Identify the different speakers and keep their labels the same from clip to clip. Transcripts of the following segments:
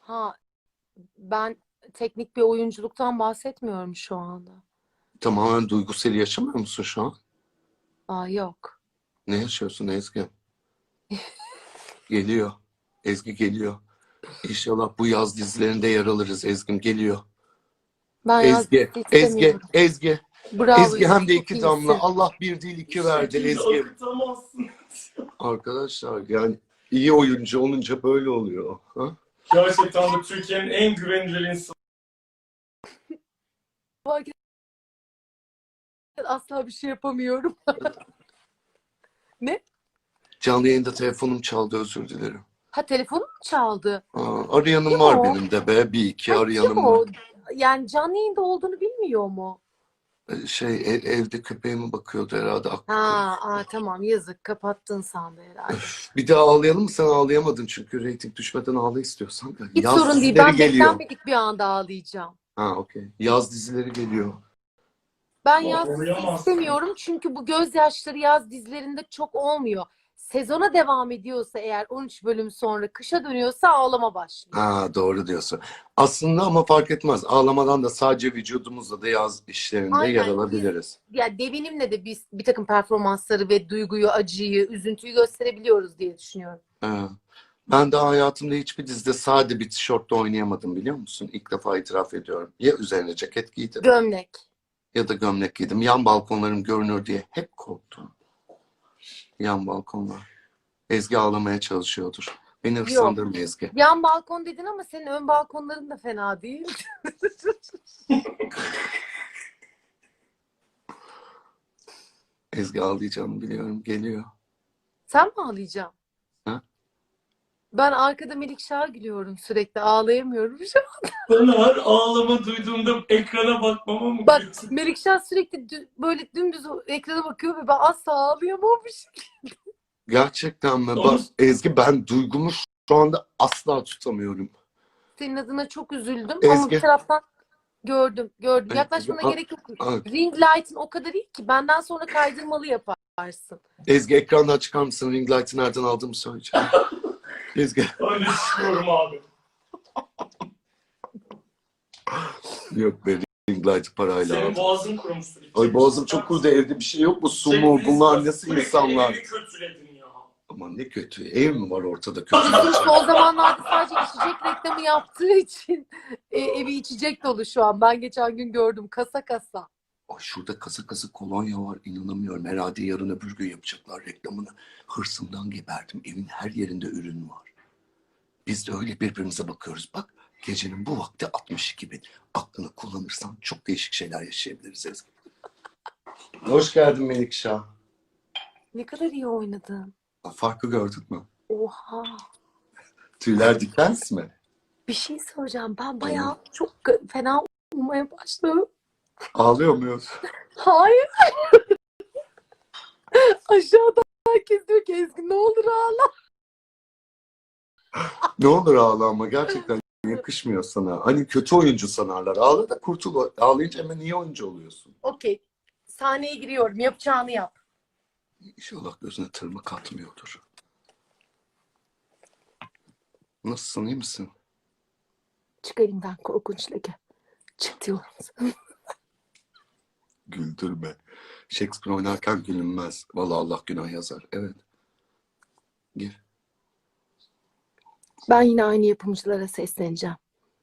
Speaker 1: Ha, ben teknik bir oyunculuktan bahsetmiyorum şu anda.
Speaker 2: Tamamen duygusal yaşamıyor musun şu an?
Speaker 1: Aa, yok.
Speaker 2: Ne yaşıyorsun Ezgi? Geliyor. Ezgi geliyor. İnşallah bu yaz dizilerinde yer alırız. Ezgi'm geliyor.
Speaker 1: Ben yaz
Speaker 2: Ezgi,
Speaker 1: dizisi
Speaker 2: Ezgi,
Speaker 1: istemiyorum.
Speaker 2: Ezgi.
Speaker 1: Bravo
Speaker 2: Ezgi
Speaker 1: Yusuf,
Speaker 2: hem de
Speaker 1: çok
Speaker 2: 2 damla.
Speaker 1: iyisin.
Speaker 2: Allah bir değil iki verdi
Speaker 3: Şekilde
Speaker 2: Ezgi.
Speaker 3: akıtamazsın.
Speaker 2: Arkadaşlar yani iyi oyuncu olunca böyle oluyor. Ha?
Speaker 3: Gerçekten de Türkiye'nin en güvenilir insanı.
Speaker 1: Bak, asla bir şey yapamıyorum. Ne?
Speaker 2: Canlı yayında telefonum çaldı, özür dilerim.
Speaker 1: Ha, telefonum mu çaldı?
Speaker 2: Arayanım
Speaker 1: Kim
Speaker 2: var
Speaker 1: o?
Speaker 2: benim de be. Bir iki
Speaker 1: Ay, kim
Speaker 2: arayanım var.
Speaker 1: o? Yani canlı yayında olduğunu bilmiyor mu?
Speaker 2: Evde köpeğime bakıyordu herhalde, aklı karıştı.
Speaker 1: Tamam, yazık, kapattın sandı herhalde.
Speaker 2: Bir daha ağlayalım mı? Sen ağlayamadın çünkü reyting düşmeden ağla istiyorsan.
Speaker 1: Hiç
Speaker 2: Yaz
Speaker 1: sorun değil,
Speaker 2: dizileri
Speaker 1: ben
Speaker 2: geliyor.
Speaker 1: beklenmedik bir anda ağlayacağım.
Speaker 2: Okey. Yaz dizileri geliyor.
Speaker 1: Ben yaz dizisi
Speaker 3: Ağlayamazsın.
Speaker 1: istemiyorum çünkü bu gözyaşları yaz dizilerinde çok olmuyor. Sezona devam ediyorsa eğer 13 bölüm sonra kışa dönüyorsa ağlama başlıyor.
Speaker 2: Doğru diyorsun. Aslında ama fark etmez. Ağlamadan da sadece vücudumuzla da yaz işlerinde yer
Speaker 1: Aynen, biz
Speaker 2: alabiliriz.
Speaker 1: ya devinimle de biz bir takım performansları ve duyguyu, acıyı, üzüntüyü gösterebiliyoruz diye düşünüyorum.
Speaker 2: Ha. Ben daha hayatımda hiçbir dizide sade bir tişörtle oynayamadım, biliyor musun? İlk defa itiraf ediyorum. Ya üzerine ceket giydim
Speaker 1: Gömlek.
Speaker 2: ya da gömlek giydim. Yan balkonlarım görünür diye hep korktum. Yan balkonlar. Ezgi ağlamaya çalışıyordur. Beni
Speaker 1: Yok.
Speaker 2: hırslandırma Ezgi.
Speaker 1: Yan balkon dedin ama senin ön balkonların da fena değil.
Speaker 2: Ezgi ağlayacağını biliyorum. Geliyor.
Speaker 1: Sen mi ağlayacaksın?
Speaker 2: Ha?
Speaker 1: Ben arkada Melikşah'a gülüyorum sürekli. Ağlayamıyorum şu an.
Speaker 3: Ben her ağlama duyduğumda ekrana bakmama mı
Speaker 1: Bak,
Speaker 3: gülüyorsun?
Speaker 1: Melikşah sürekli böyle dümdüz ekrana bakıyor ve ben asla ağlayamamışım.
Speaker 2: Gerçekten mi? Bak
Speaker 3: Onu
Speaker 2: Ezgi, ben duygumu şu anda asla tutamıyorum.
Speaker 1: Senin adına çok üzüldüm ama bir
Speaker 2: Ezgi.
Speaker 1: taraftan gördüm.
Speaker 2: Ezgi.
Speaker 1: Yaklaşmana gerek yok.
Speaker 2: Aa,
Speaker 1: Ring light'ın o kadar iyi ki benden sonra kaydırmalı yaparsın.
Speaker 2: Ezgi, ekrandan çıkar mısın? Ring light'ı nereden aldığımı söyleyeceğim. Ezgi.
Speaker 3: öyle düşünüyorum abi.
Speaker 2: Yok be, ring light'ı parayla
Speaker 3: Senin
Speaker 2: aldım.
Speaker 3: boğazın kurumuştur.
Speaker 2: Ay, boğazım çok kurudu, evde bir şey yok mu? Su mu? Bunlar nasıl insanlar?
Speaker 3: Evi kötüledin ya.
Speaker 2: Aman ne kötü. Ev mi var ortada kötü?
Speaker 1: Son zamanlarda sadece içecek reklamı yaptığı için evi içecek dolu şu an. Ben geçen gün gördüm, kasa kasa.
Speaker 2: Ay, şurada kasa kasa kolonya var, inanamıyorum. Herhalde yarın öbür gün yapacaklar reklamını. Hırsımdan geberdim. Evin her yerinde ürün var. Biz de öyle birbirimize bakıyoruz. Bak, gecenin bu vakti 62.000. Aklını kullanırsan çok değişik şeyler yaşayabiliriz Ezgi. Hoş geldin Melikşah.
Speaker 1: Ne kadar iyi oynadın.
Speaker 2: Farkı gördün mü?
Speaker 1: Oha.
Speaker 2: Tüyler diken mi?
Speaker 1: Bir şey söyleyeceğim. Ben bayağı çok fena olmaya başladım.
Speaker 2: Ağlıyor muyuz?
Speaker 1: Hayır. Aşağıda herkes diyor ki Ezgi ne olur ağla.
Speaker 2: Ne olur ağla, ama gerçekten yakışmıyor sana. Hani kötü oyuncu sanarlar. Ağla da kurtul. Ağlayınca hemen iyi oyuncu oluyorsun.
Speaker 1: Okey. Sahneye giriyorum. Yapacağını yap.
Speaker 2: İnşallah gözüne tırmık atmıyordur. Nasılsın, iyi misin?
Speaker 1: Çık elimden korkunç leke. Çık diyorum sana.
Speaker 2: Güldürme. Shakespeare oynarken gülünmez. Vallahi Allah günah yazar. Evet. Gir.
Speaker 1: Ben yine aynı yapımcılara sesleneceğim.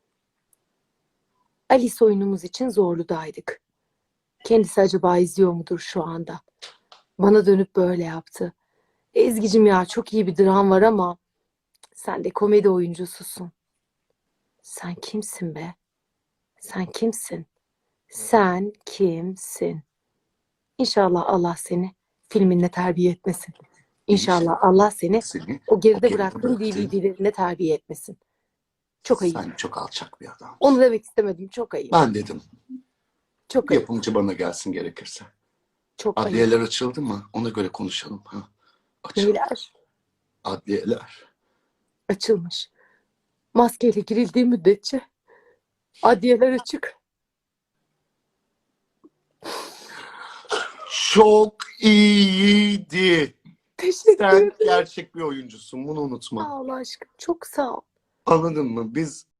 Speaker 1: Alice oyunumuz için Zorlu'daydık. Kendisi acaba izliyor mudur şu anda? Bana dönüp böyle yaptı. Ezgi'cim ya, çok iyi bir dram var ama sen de komedi oyuncususun. Sen kimsin be? Sen kimsin? Sen kimsin? İnşallah Allah seni filminle terbiye etmesin. İnşallah Allah seni
Speaker 2: Seni
Speaker 1: o geride
Speaker 2: geride
Speaker 1: bıraktığın
Speaker 2: bıraktığın-
Speaker 1: DVD'lerinde terbiye etmesin. Çok ayıp.
Speaker 2: Sen çok alçak bir adam.
Speaker 1: Onu demek istemedim. Çok ayıp.
Speaker 2: Ben dedim.
Speaker 1: Çok ayıp.
Speaker 2: Yapımcı bana gelsin gerekirse.
Speaker 1: Çok ayıp.
Speaker 2: Adliyeler açıldı mı? Ona göre konuşalım. Açıldı.
Speaker 1: Neyler?
Speaker 2: Adliyeler.
Speaker 1: Açılmış. Maskeyle girildiği müddetçe adliyeler açık.
Speaker 2: Çok iyiydi.
Speaker 1: Teşekkür
Speaker 2: Sen
Speaker 1: ederim.
Speaker 2: gerçek bir oyuncusun. Bunu unutma.
Speaker 1: Sağ ol aşkım. Çok sağ ol.
Speaker 2: Anladın mı? Biz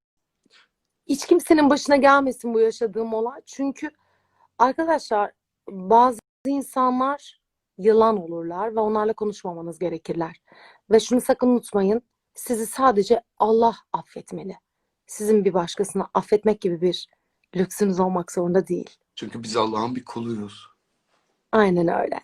Speaker 1: Hiç kimsenin başına gelmesin bu yaşadığım olay. Çünkü arkadaşlar bazı insanlar yılan olurlar ve onlarla konuşmamanız gerekirler. Ve şunu sakın unutmayın. Sizi sadece Allah affetmeli. Sizin bir başkasını affetmek gibi bir lüksünüz olmak zorunda değil.
Speaker 2: Çünkü biz Allah'ın bir kuluyuz.
Speaker 1: Aynen öyle.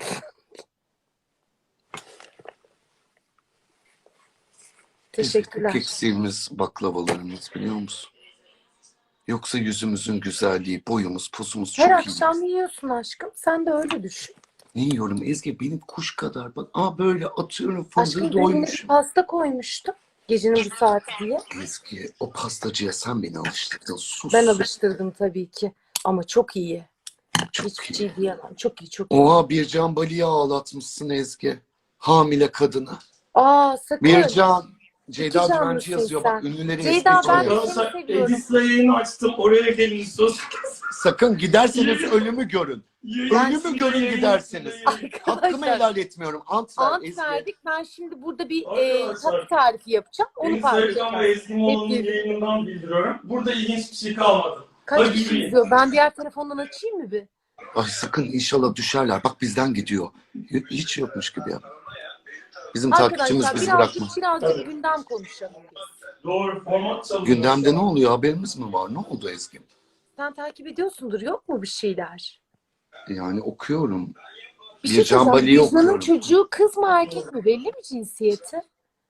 Speaker 2: Bizim
Speaker 1: Teşekkürler.
Speaker 2: tek eksiğimiz baklavalarımız, biliyor musun? Yoksa yüzümüzün güzelliği, boyumuz, posumuz
Speaker 1: Her
Speaker 2: çok iyi.
Speaker 1: akşam yiyorsun aşkım. Sen de öyle düşün.
Speaker 2: Ne yiyorum Ezgi? Benim kuş kadar. Bak, böyle atıyorum,
Speaker 1: Aşkım
Speaker 2: fındığı
Speaker 1: dün bir
Speaker 2: doymuşum.
Speaker 1: pasta koymuştum. Gecenin bu saati diye.
Speaker 2: Ezgi, o pastacıya sen beni alıştırdın. Sus.
Speaker 1: Ben alıştırdım tabii ki. Ama çok iyi.
Speaker 2: Çok
Speaker 1: Hiçbir
Speaker 2: iyi.
Speaker 1: şey diyemem. Çok iyi, çok iyi.
Speaker 2: Oha, Bircan Bali'yi ağlatmışsın Ezgi. Hamile kadına.
Speaker 1: Sakın.
Speaker 2: Bircan, Ceyda
Speaker 1: İki
Speaker 2: Düvenci
Speaker 1: canlısın
Speaker 2: yazıyor.
Speaker 1: sen.
Speaker 2: Bak, ünlüleri
Speaker 1: Ceyda,
Speaker 2: ezmeye
Speaker 1: ben
Speaker 2: çalışıyor.
Speaker 1: de seni
Speaker 3: Arkadaşlar
Speaker 1: seviyorum.
Speaker 3: Edis'le yayını açtım. Oraya gelin sus.
Speaker 2: Sakın giderseniz ölümü görün.
Speaker 3: Yayın
Speaker 2: Ölümü görün
Speaker 3: yayın
Speaker 2: giderseniz.
Speaker 3: yayın.
Speaker 2: Hakkımı
Speaker 1: Arkadaşlar
Speaker 2: helal etmiyorum. Ant ver
Speaker 1: ant
Speaker 2: Ezgi.
Speaker 1: verdik. Ben şimdi burada bir
Speaker 3: Arkadaşlar,
Speaker 1: tatlı tarifi yapacağım. Onu
Speaker 3: Instagram ve
Speaker 1: paylaşacağım.
Speaker 3: Ezgi Mola'nın
Speaker 1: Hep birlikte.
Speaker 3: yayınından bildiriyorum. Burada ilginç bir şey kalmadı.
Speaker 1: Kaç
Speaker 3: Hadi
Speaker 1: kişi
Speaker 3: yürüyün.
Speaker 1: izliyor? Ben diğer telefondan açayım mı bir?
Speaker 2: Ay sakın, inşallah düşerler. Bak, bizden gidiyor. Hiç yokmuş gibi ya. Bizim takipçimiz
Speaker 1: Arkadaşlar
Speaker 2: bizi bırakma.
Speaker 1: birazcık
Speaker 3: Evet.
Speaker 1: gündem konuşalım biz.
Speaker 3: Doğru format çalıyor.
Speaker 2: Gündemde ne oluyor? Haberimiz mi var? Ne oldu Ezgi?
Speaker 1: Sen takip ediyorsundur. Yok mu bir şeyler?
Speaker 2: Yani okuyorum.
Speaker 1: Bir şey
Speaker 2: Bircan
Speaker 1: söyleyeceğim.
Speaker 2: Bali'yi
Speaker 1: Vicdan'ın
Speaker 2: okuyorum.
Speaker 1: çocuğu kız mı erkek mi? Belli mi cinsiyeti?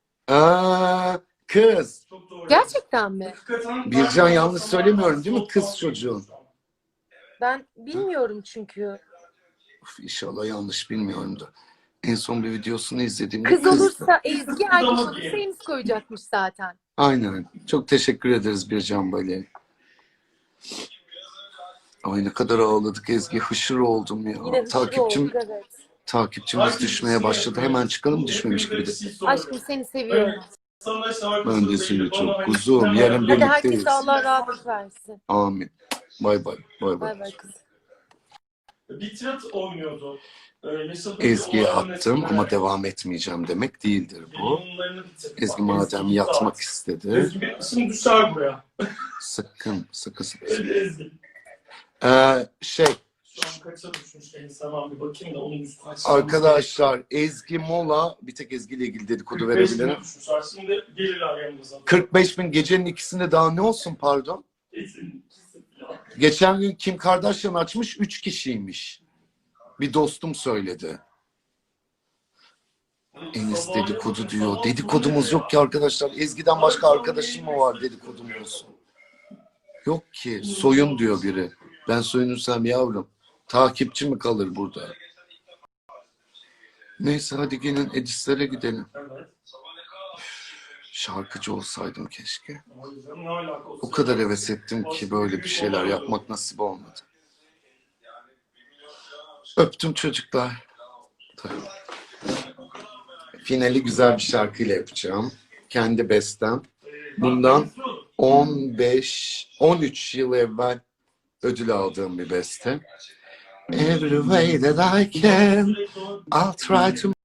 Speaker 2: Kız.
Speaker 3: Çok doğru.
Speaker 1: Gerçekten mi?
Speaker 3: Hakikaten
Speaker 2: Bircan,
Speaker 3: ben-
Speaker 2: yanlış söylemiyorum değil mi? Kız çocuğun.
Speaker 1: Ben bilmiyorum çünkü.
Speaker 2: Uf, İnşallah yanlış bilmiyorum da. En son bir videosunu izlediğimde
Speaker 1: Kız
Speaker 2: kızdı.
Speaker 1: olursa Ezgi, erkek olursa Enis koyacakmış zaten.
Speaker 2: Aynen. Çok teşekkür ederiz Bircan Bali. Ay, ne kadar ağladık Ezgi. Hışır oldum ya.
Speaker 1: Yine hızlı olduk, evet.
Speaker 2: Takipçimiz düşmeye başladı. Hemen çıkalım, düşmemiş gibi de.
Speaker 1: Aşkım seni seviyorum.
Speaker 2: Ben de seni çok kuzum. Yarın
Speaker 1: Hadi
Speaker 2: birlikteyiz.
Speaker 1: herkese Allah rahatlık versin.
Speaker 2: Amin. Bay bay. Bay bay.
Speaker 1: Bay bay kızım.
Speaker 3: Bir tirat oynuyordu. Yaşadığı
Speaker 2: Ezgi'ye
Speaker 3: olayların
Speaker 2: attım ama
Speaker 3: etkileri.
Speaker 2: devam etmeyeceğim demek değildir bu.
Speaker 3: Yayınlarını bitirdi.
Speaker 2: Ezgi
Speaker 3: Bak,
Speaker 2: madem
Speaker 3: Ezgi
Speaker 2: yatmak
Speaker 3: saat.
Speaker 2: istedi.
Speaker 3: Ezgi şimdi düşer buraya.
Speaker 2: Sakın.
Speaker 3: Hadi Ezgi.
Speaker 2: Şey,
Speaker 3: Şu an kaça düşmüş Enis, hemen bir bakayım da onun üstüne açalım.
Speaker 2: arkadaşlar, Ezgi Mola, bir tek Ezgi ile ilgili dedikodu
Speaker 3: 45 bin
Speaker 2: verebilirim.
Speaker 3: düşmüşler. Şimdi gelirler yanımıza.
Speaker 2: 45 bin, gecenin ikisinde daha ne olsun, pardon.
Speaker 3: Kesin, kesin ya.
Speaker 2: Geçen gün Kim Kardashian açmış, 3 kişiymiş. Bir dostum söyledi. Enis dedikodu diyor. Dedikodumuz yok ki arkadaşlar. Ezgi'den başka arkadaşım mı var dedikodumuz? Yok ki. Soyun diyor biri. Ben soyunursam yavrum, takipçi mi kalır burada? Neyse, hadi gelin Edis'lere gidelim.
Speaker 3: Evet.
Speaker 2: Şarkıcı olsaydım keşke.
Speaker 3: O yüzden ne alaka olsun?
Speaker 2: O kadar heves ettim ki böyle bir şeyler yapmak nasip olmadı. Öptüm çocuklar. Tabii. Finali güzel bir şarkıyla yapacağım. Kendi bestem. Bundan 13 yıl evvel ödül aldığım bir beste. Every way that I can, I'll try to